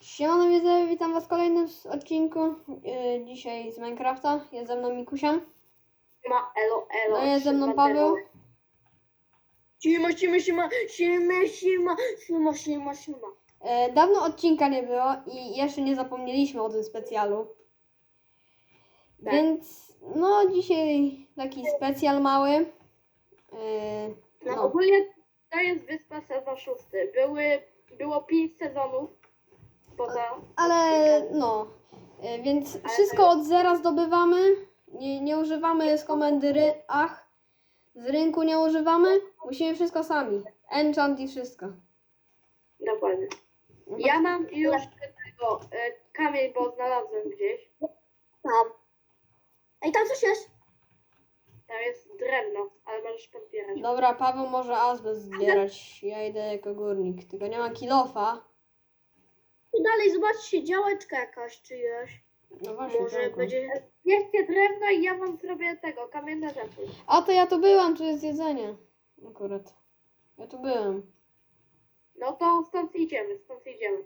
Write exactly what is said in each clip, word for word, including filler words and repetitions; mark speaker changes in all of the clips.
Speaker 1: Siemano widzowie, witam was w kolejnym odcinku. Yy, dzisiaj z Minecrafta. Jest ze mną Mikusia.
Speaker 2: Siema, elo, elo.
Speaker 1: No jest ze mną
Speaker 2: siema,
Speaker 1: Paweł.
Speaker 2: elo. Siema, siema, siema, siema, siema, siema, siema, siema.
Speaker 1: Yy, dawno odcinka nie było i jeszcze nie zapomnieliśmy o tym specjalu.
Speaker 2: Tak.
Speaker 1: Więc no dzisiaj taki specjal mały. Yy,
Speaker 2: No,
Speaker 1: no.
Speaker 2: ogólnie to jest Wyspa sezon szósty. Były, było pięć sezonów poza...
Speaker 1: Ale no. Yy, więc wszystko od zera zdobywamy. Nie, nie używamy z komendy ry ach. Z rynku nie używamy. Musimy wszystko sami. Enchant i wszystko.
Speaker 2: Dokładnie. Ja mam już tego e, kamień, bo znalazłem gdzieś.
Speaker 3: Tam. Ej, tam coś jest.
Speaker 2: Tam jest drewno, ale możesz podbierać.
Speaker 1: Dobra, Paweł może azbest zbierać. Ja idę jako górnik. Tylko nie ma kilofa.
Speaker 3: Tu dalej, zobaczcie, działeczka jakaś czyjaś.
Speaker 1: No właśnie,
Speaker 3: Może
Speaker 1: działko.
Speaker 3: będzie...
Speaker 2: Bierzcie drewno i ja wam zrobię tego, kamienne rzeczy.
Speaker 1: A to ja tu byłam, tu jest jedzenie. Akurat. Ja tu byłem.
Speaker 2: No to stąd idziemy, stąd idziemy.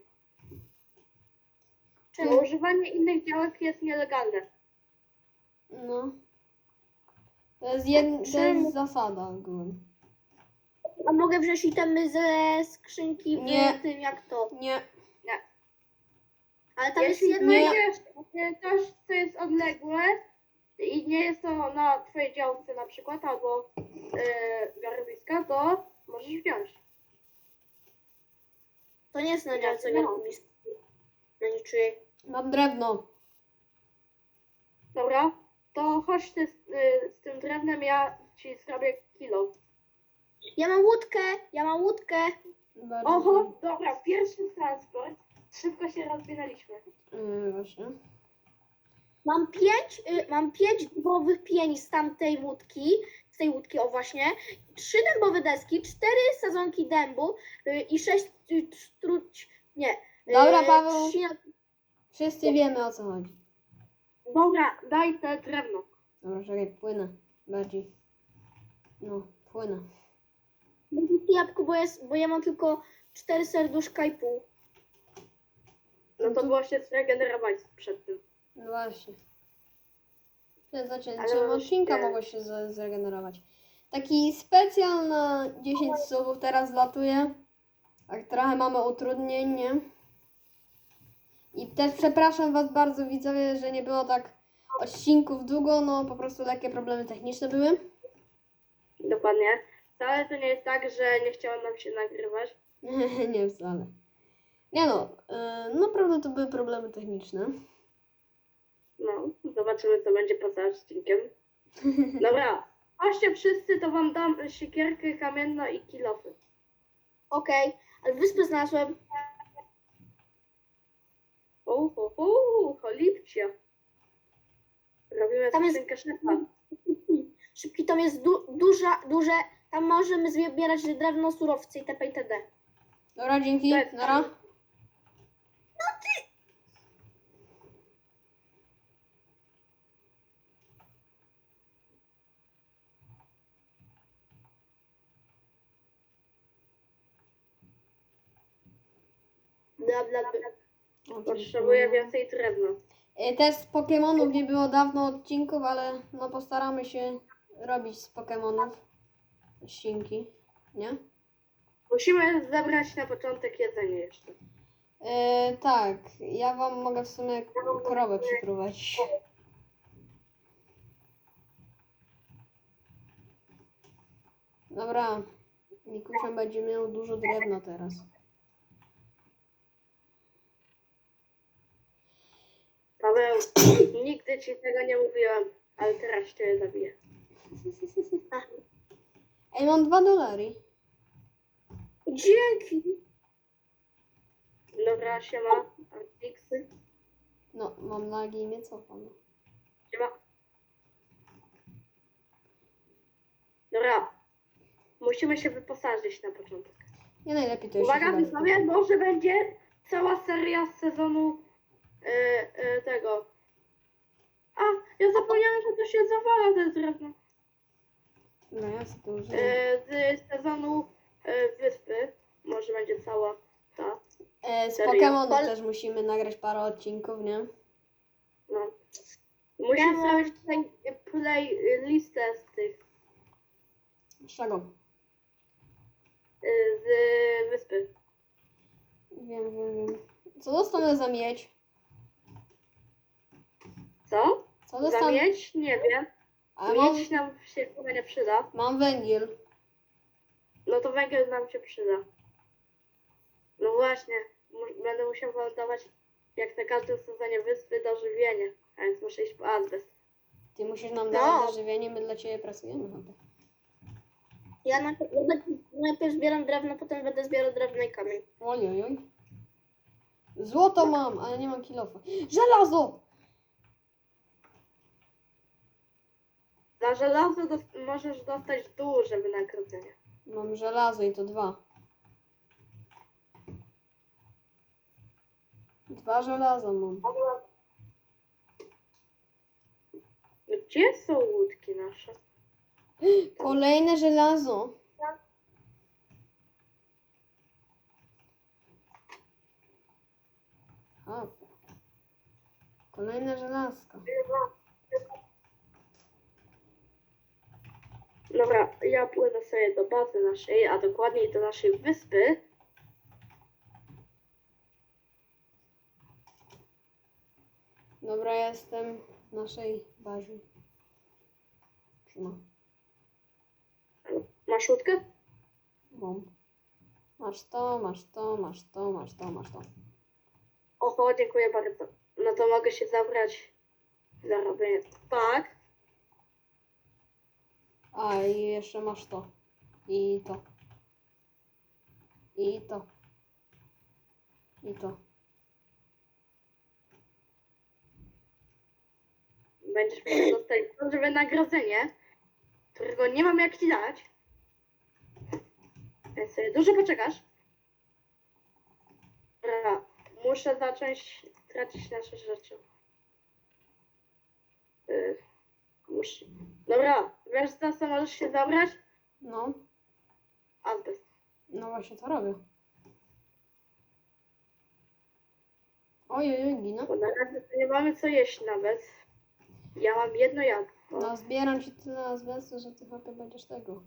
Speaker 2: Bo
Speaker 3: Czemu?
Speaker 2: używanie innych działek jest nielegalne.
Speaker 1: No. To jest, jed... to
Speaker 3: Czemu?
Speaker 1: jest zasada ogólnie.
Speaker 3: A mogę wziąć itemy ze skrzynki w
Speaker 1: Nie.
Speaker 3: tym jak to.
Speaker 1: Nie.
Speaker 3: Ale tam jest
Speaker 2: Jeśli
Speaker 3: jedno...
Speaker 1: nie-
Speaker 2: znajdziesz coś, co jest odległe i nie jest to na twojej działce na przykład, albo yy, garowiska, to możesz wziąć.
Speaker 3: To nie jest na
Speaker 2: Ja
Speaker 3: działce
Speaker 2: nie mam.
Speaker 3: garowiska. Na niczyjej.
Speaker 1: Mam drewno.
Speaker 2: Dobra, to chodź ty z, yy, z tym drewnem, ja ci zrobię kilo.
Speaker 3: Ja mam łódkę, ja mam łódkę.
Speaker 1: Bardzo.
Speaker 2: Oho, dobra, pierwszy transport. Szybko się rozwinęliśmy.
Speaker 1: Yy, właśnie.
Speaker 3: Mam pięć, y, mam pięć dębowych pieni z tamtej łódki. Z tej łódki, o właśnie. Trzy dębowe deski, cztery sezonki dębu y, i sześć y, truć... Nie. y,
Speaker 1: Dobra, Paweł.
Speaker 3: trzy-
Speaker 1: Wszyscy wiemy, o co chodzi.
Speaker 2: Dobra, daj te drewno.
Speaker 1: Dobra, czekaj, płynę. Bardziej. No, płynę.
Speaker 3: Jabłko, bo, jest, bo ja mam tylko cztery serduszka i pół.
Speaker 2: No to było się zregenerować przed tym.
Speaker 1: No właśnie. Przed zaczęciem
Speaker 2: Ale już
Speaker 1: odcinka
Speaker 2: nie.
Speaker 1: mogło się z- zregenerować. Taki specjal na dziesięć subów teraz latuje. Tak trochę mamy utrudnień, nie? I też przepraszam was bardzo widzowie, że nie było tak odcinków długo, no po prostu lekkie problemy techniczne były.
Speaker 2: Dokładnie. Wcale to nie jest tak, że nie chciało nam się nagrywać.
Speaker 1: Nie wcale. Nie no, yy, naprawdę to były problemy techniczne.
Speaker 2: No, zobaczymy co będzie poza odcinkiem. Dobra, chodźcie wszyscy, to wam dam siekierkę kamienną i kilofy.
Speaker 3: Okej, ale wyspę znalazłem.
Speaker 2: Uhu, cholipcia. Robimy
Speaker 3: Tam jest-
Speaker 2: skrzynkę szefa.
Speaker 3: Szybki, tam jest du, duża, duże. Tam możemy zbierać drewno, surowce itp. itd.
Speaker 1: Dobra, dzięki,
Speaker 2: To jest
Speaker 1: nara.
Speaker 3: Bla, bla, bla.
Speaker 2: Potrzebuję więcej drewna.
Speaker 1: Yy, Też z Pokemonów nie było dawno odcinków, ale no postaramy się robić z Pokemonów odcinki, nie?
Speaker 2: Musimy zebrać na początek jedzenie jeszcze.
Speaker 1: Yy, tak, ja wam mogę w sumie krowę przyprowadzić. Dobra, Mikusia będzie miał dużo drewna teraz.
Speaker 2: Paweł, nigdy ci tego nie mówiłam, ale teraz cię zabiję.
Speaker 1: Ej, mam dwa dolary.
Speaker 3: Dzięki.
Speaker 2: Dobra, siema. Artix.
Speaker 1: No, mam lagi i mnie cofam.
Speaker 2: Siema. Dobra. Musimy się wyposażyć na początek.
Speaker 1: Nie najlepiej to jeszcze
Speaker 2: Uwaga,
Speaker 1: chyba
Speaker 2: widzowie, może będzie cała seria z sezonu e, e, tego. A, ja zapomniałam, że to się zawala te drewno.
Speaker 1: No ja sobie to użyję.
Speaker 2: E, z sezonu e, wyspy. Może będzie cała Tak.
Speaker 1: E, z
Speaker 2: Serio?
Speaker 1: Pokémonu
Speaker 3: Pol-
Speaker 1: też musimy nagrać parę odcinków, nie?
Speaker 2: No. Musisz
Speaker 3: Ja mam-
Speaker 2: zrobić tutaj play listę z tych,
Speaker 1: Z czego?
Speaker 2: y, z wyspy.
Speaker 1: Wiem, wiem, wiem. Co dostanę za miedź?
Speaker 2: Co?
Speaker 1: Co
Speaker 2: Za
Speaker 1: dostanę?
Speaker 2: miedź? Nie wiem.
Speaker 1: A mam,
Speaker 2: Miedź nam się chyba nie przyda.
Speaker 1: mam węgiel.
Speaker 2: No to węgiel nam się przyda. No właśnie, mu- będę musiał wam dawać jak na każdym sezonie wyspy dożywienie, a więc muszę iść po azbest.
Speaker 1: Ty musisz nam
Speaker 3: No.
Speaker 1: dawać dożywienie, my dla ciebie pracujemy chyba.
Speaker 3: Ja najpierw, ja najpierw- najpierw zbieram drewno, potem będę zbierał drewno i kamień.
Speaker 1: Oj, oj, oj. Złoto mam, ale nie mam kilofa. Żelazo!
Speaker 2: Za żelazo dos- możesz dostać duże wynagrodzenie.
Speaker 1: Mam żelazo i to dwa. Dwa żelaza mam.
Speaker 2: Gdzie są łódki nasze?
Speaker 1: Kolejne żelazo. A. Kolejne żelazko.
Speaker 2: Dobra, ja płynę sobie do bazy naszej, a dokładniej do naszej wyspy.
Speaker 1: Dobra, jestem w naszej bazie. Trzyma.
Speaker 2: Masz łódkę?
Speaker 1: Mam. Masz to, masz to, masz to, masz to, masz to.
Speaker 2: Oho, dziękuję bardzo. No to mogę się zabrać za robienie. Tak.
Speaker 1: A i jeszcze masz to. I to. I to. I to.
Speaker 2: Będziesz musiał dostać duże wynagrodzenie, którego nie mam jak ci dać. Więc sobie dużo poczekasz. Dobra, muszę zacząć tracić nasze rzeczy. Yy, muszę. Dobra, wiesz za co możesz się zabrać?
Speaker 1: No.
Speaker 2: Azbest.
Speaker 1: No właśnie to robię. Oj, oj, oj, ginę.
Speaker 2: Bo na razie to nie mamy co jeść nawet. Ja mam jedno jabłko.
Speaker 1: No zbieram ci tyle azbestu, że ty chyba będziesz tego.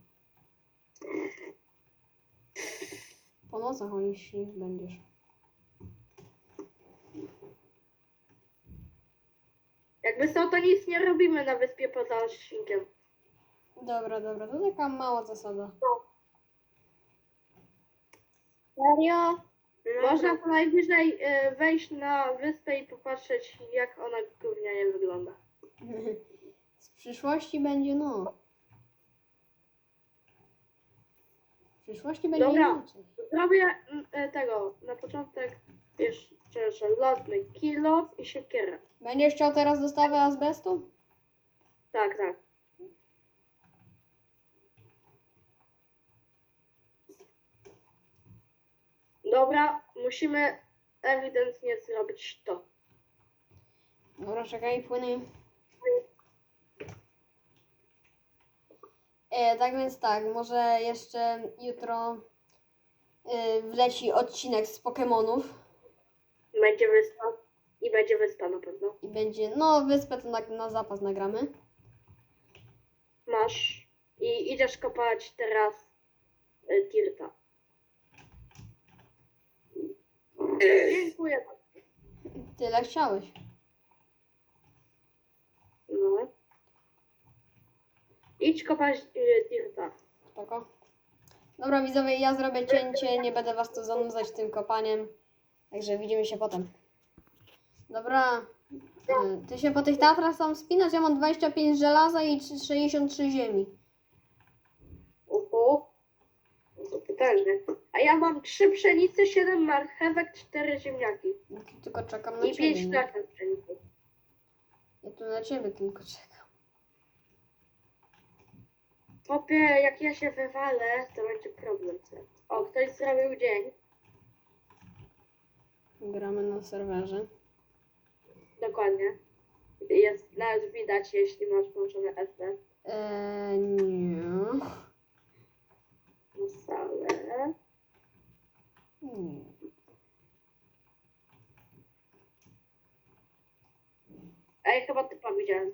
Speaker 1: Po nocach oni śnić będziesz.
Speaker 2: Jakby są, to nic nie robimy na wyspie poza odcinkiem.
Speaker 1: Dobra, dobra, to taka mała zasada.
Speaker 3: Serio?
Speaker 2: Można co najwyżej y, wejść na wyspę i popatrzeć, jak ona gównianie wygląda.
Speaker 1: Z przyszłości będzie no. W przyszłości będzie
Speaker 2: Dobra.
Speaker 1: inaczej.
Speaker 2: Zrobię mm, y, tego, na początek jeszcze żelazny kilo i siekierę.
Speaker 1: Będziesz chciał teraz dostawę azbestu?
Speaker 2: Tak, tak. Dobra, musimy ewidentnie zrobić to.
Speaker 1: Dobra, czekaj, płyny. E, tak więc tak, może jeszcze jutro e, wleci odcinek z Pokemonów
Speaker 2: Będzie wyspa i będzie wyspa na pewno.
Speaker 1: i będzie, no wyspę to na, na zapas nagramy.
Speaker 2: Masz i idziesz kopać teraz y, Tirta. Dziękuję bardzo.
Speaker 1: Tyle chciałeś.
Speaker 2: No. Idź kopać y, Tirta.
Speaker 1: Spoko. Dobra widzowie, ja zrobię cięcie, nie będę was tu zanudzać tym kopaniem. Także widzimy się potem. Dobra. e, Ty się po tych Tatrach sam wspinasz, ja mam dwadzieścia pięć żelaza i sześćdziesiąt trzy ziemi.
Speaker 2: Uhu. No to potężnie. A ja mam trzy pszenice, siedem marchewek, cztery ziemniaki.
Speaker 1: Ja tu tylko czekam na
Speaker 2: I
Speaker 1: ciebie,
Speaker 2: pięć
Speaker 1: nie?
Speaker 2: nasion pszenicy.
Speaker 1: Ja tu na ciebie tylko czekam.
Speaker 2: Popie, jak ja się wywalę, to będzie problem. O, ktoś zrobił dzień.
Speaker 1: Gramy na serwerze.
Speaker 2: Dokładnie. Jest nawet widać, jeśli masz włączone S D.
Speaker 1: Eee, nie.
Speaker 2: Na salę.
Speaker 1: nie.
Speaker 2: Ej, chyba typa widziałem.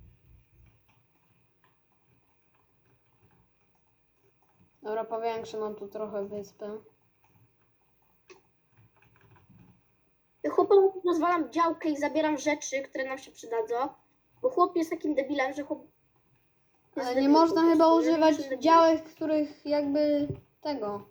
Speaker 1: Dobra, powiększę nam tu trochę wyspę.
Speaker 3: Chłopom rozwalam działkę i zabieram rzeczy, które nam się przydadzą. Bo chłop jest takim debilem, że chłop... jest
Speaker 1: Ale nie
Speaker 3: debilem
Speaker 1: można
Speaker 3: po
Speaker 1: chyba
Speaker 3: prostu, że
Speaker 1: używać
Speaker 3: jest debilem.
Speaker 1: działek, których jakby tego.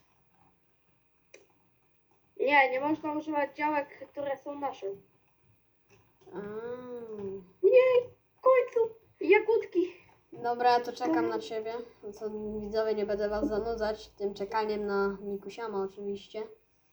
Speaker 2: Nie, nie można używać działek, które są nasze.
Speaker 1: A.
Speaker 2: Nie, w końcu, jagódki.
Speaker 1: Dobra, ja to czekam na ciebie. No co, widzowie, nie będę was zanudzać tym czekaniem na Mikusiama oczywiście.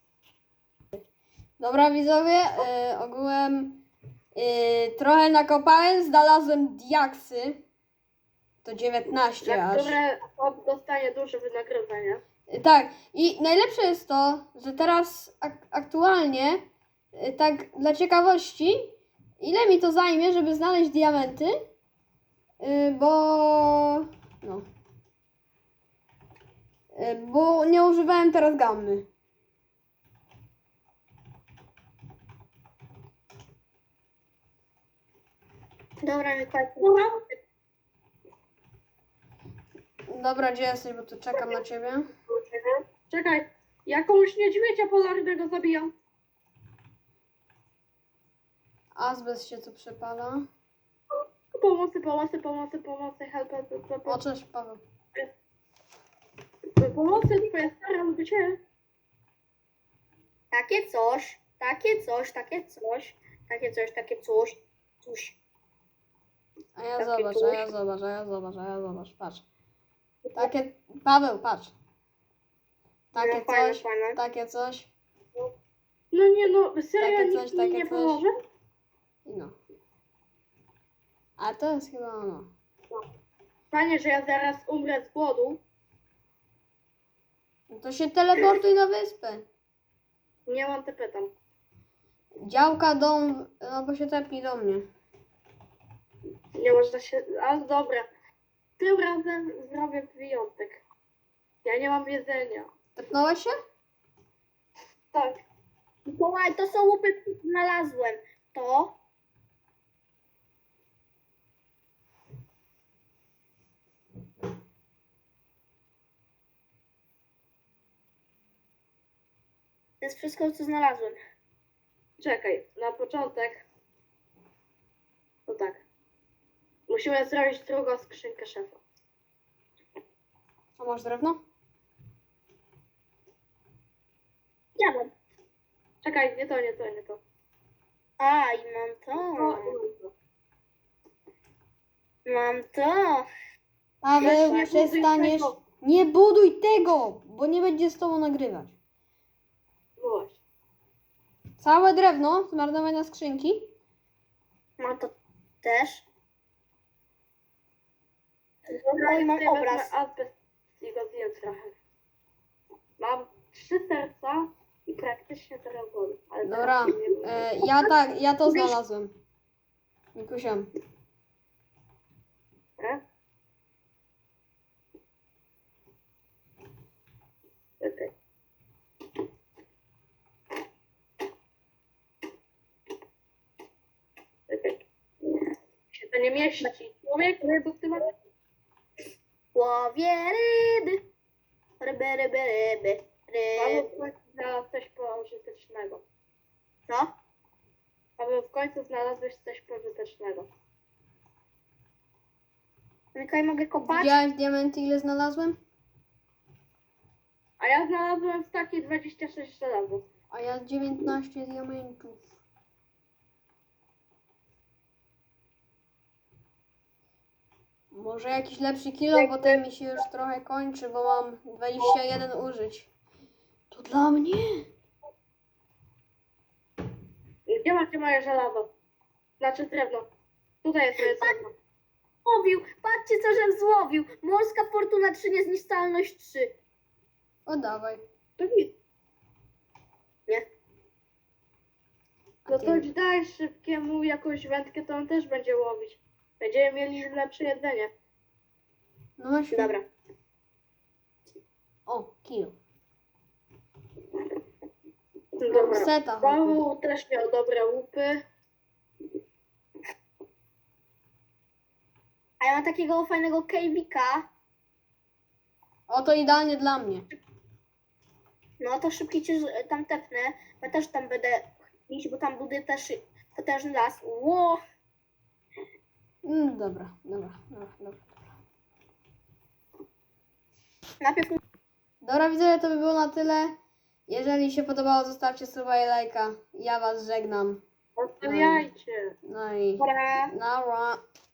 Speaker 1: Dobra, widzowie, y, ogółem y, trochę nakopałem, znalazłem diaksy. To dziewiętnaście
Speaker 2: Za
Speaker 1: aż.
Speaker 2: które chłop dostanie duże wynagrodzenie.
Speaker 1: Y, Tak, i najlepsze jest to, że teraz ak- aktualnie, y, tak dla ciekawości, ile mi to zajmie, żeby znaleźć diamenty, y, bo no, y, bo nie używałem teraz gammy.
Speaker 3: Dobra, Mikołaj.
Speaker 1: Dobra, gdzie jesteś, bo tu czekam na ciebie.
Speaker 2: Czekaj, jakąś niedźwiedzia polarnego zabijam.
Speaker 1: Azbest się tu przepala.
Speaker 2: Pomocy, pomocy, pomocy, pomocy, help, help, help, help.
Speaker 1: O, cześć, Paweł.
Speaker 2: Pomocy, twoja stara lubi cię.
Speaker 3: Takie coś, takie coś, takie coś, takie coś, takie coś, coś.
Speaker 1: A ja
Speaker 3: Takie
Speaker 1: zobacz, a
Speaker 3: coś.
Speaker 1: ja zobacz, a ja zobacz, a ja zobacz, patrz. Takie, Paweł, patrz. Takie
Speaker 3: No, fajne,
Speaker 1: coś,
Speaker 3: fajne.
Speaker 1: takie coś
Speaker 2: No nie no, serio
Speaker 1: Takie
Speaker 2: nikt
Speaker 1: coś,
Speaker 2: mi
Speaker 1: takie
Speaker 2: nie
Speaker 1: coś.
Speaker 2: pomoże?
Speaker 1: i no. A to jest chyba ono.
Speaker 2: Panie, że ja zaraz umrę z głodu.
Speaker 1: No to się teleportuj na wyspę.
Speaker 2: Nie mam te pytam.
Speaker 1: Działka, dom, albo się tepnij do mnie.
Speaker 2: Nie można się... Ale dobra. Tym razem zrobię wyjątek. Ja nie mam jedzenia.
Speaker 1: Tepnąłeś się?
Speaker 2: Tak.
Speaker 3: Mikołaj, to są łupy, które znalazłem. To. To jest wszystko, co znalazłem.
Speaker 2: Czekaj, na początek. No tak. Musimy zrobić drugą skrzynkę szefa.
Speaker 1: A masz drewno?
Speaker 3: Ja mam.
Speaker 2: Czekaj, nie to, nie to, nie to.
Speaker 3: A, i mam to.
Speaker 2: To i mam to.
Speaker 3: Mam to.
Speaker 1: Paweł,
Speaker 2: nie buduj
Speaker 1: przestaniesz.
Speaker 2: tego.
Speaker 1: Nie buduj tego, bo nie będzie z tobą nagrywać.
Speaker 2: No właśnie.
Speaker 1: Całe drewno zmarnowane na skrzynki.
Speaker 3: Mam to też.
Speaker 2: Dobra,
Speaker 3: Oj, mam
Speaker 2: tutaj wezmę
Speaker 3: obraz.
Speaker 2: azbest i go zjem trochę. Mam trzy serca i praktycznie teraz głowy. Ale
Speaker 1: Dobra,
Speaker 2: teraz się nie boję.
Speaker 1: e, ja tak, ja to znalazłem. Mikusiam.
Speaker 2: E? Czekaj. Czekaj. Się to nie mieści. Człowiek, co ty masz?
Speaker 3: Łowię ryby. Ryby, ryby, ryby.
Speaker 2: Paweł
Speaker 3: Ryby.
Speaker 2: w końcu znalazł coś pożytecznego.
Speaker 3: Co?
Speaker 2: Paweł, w końcu znalazłeś coś pożytecznego.
Speaker 3: Mikołaj, mogę kopać?
Speaker 1: Widziałeś diamenty, ile znalazłem?
Speaker 2: A ja znalazłem w takiej dwadzieścia sześć żelazo.
Speaker 1: A ja dziewiętnaście diamentów. Może jakiś lepszy kilo, bo ten mi się już trochę kończy, bo mam dwadzieścia jeden użyć. To dla mnie.
Speaker 2: Gdzie macie moje żelazo? Znaczy drewno. Tutaj jest moje drewno.
Speaker 3: Złowił. Patrzcie, co żem złowił. Morska fortuna trzy, niezniszczalność trzy.
Speaker 1: O, dawaj.
Speaker 2: To nic.
Speaker 3: Nie.
Speaker 1: A
Speaker 2: No
Speaker 1: ty-
Speaker 2: to daj szybkiemu jakąś wędkę, to on też będzie łowić. Będziemy mieli lepsze jedzenie.
Speaker 1: No właśnie.
Speaker 3: Dobra.
Speaker 1: O, kilo.
Speaker 2: Dobra.
Speaker 1: Seta. chłopie.
Speaker 2: Paweł też miał dobre łupy.
Speaker 3: A ja mam takiego fajnego kejwika.
Speaker 1: Oto idealnie dla mnie.
Speaker 3: No to szybki cię z- tam tepnę. Ja też tam będę iść, bo tam buduję też potężny las. Ło!
Speaker 1: Mm, dobra, dobra, dobra, dobra.
Speaker 3: Najpierw
Speaker 1: Dobra, widzę, to by było na tyle. Jeżeli się podobało, zostawcie suba i lajka. Ja was żegnam.
Speaker 2: Zostawiajcie.
Speaker 1: No i...
Speaker 3: Dobra.
Speaker 1: Nara.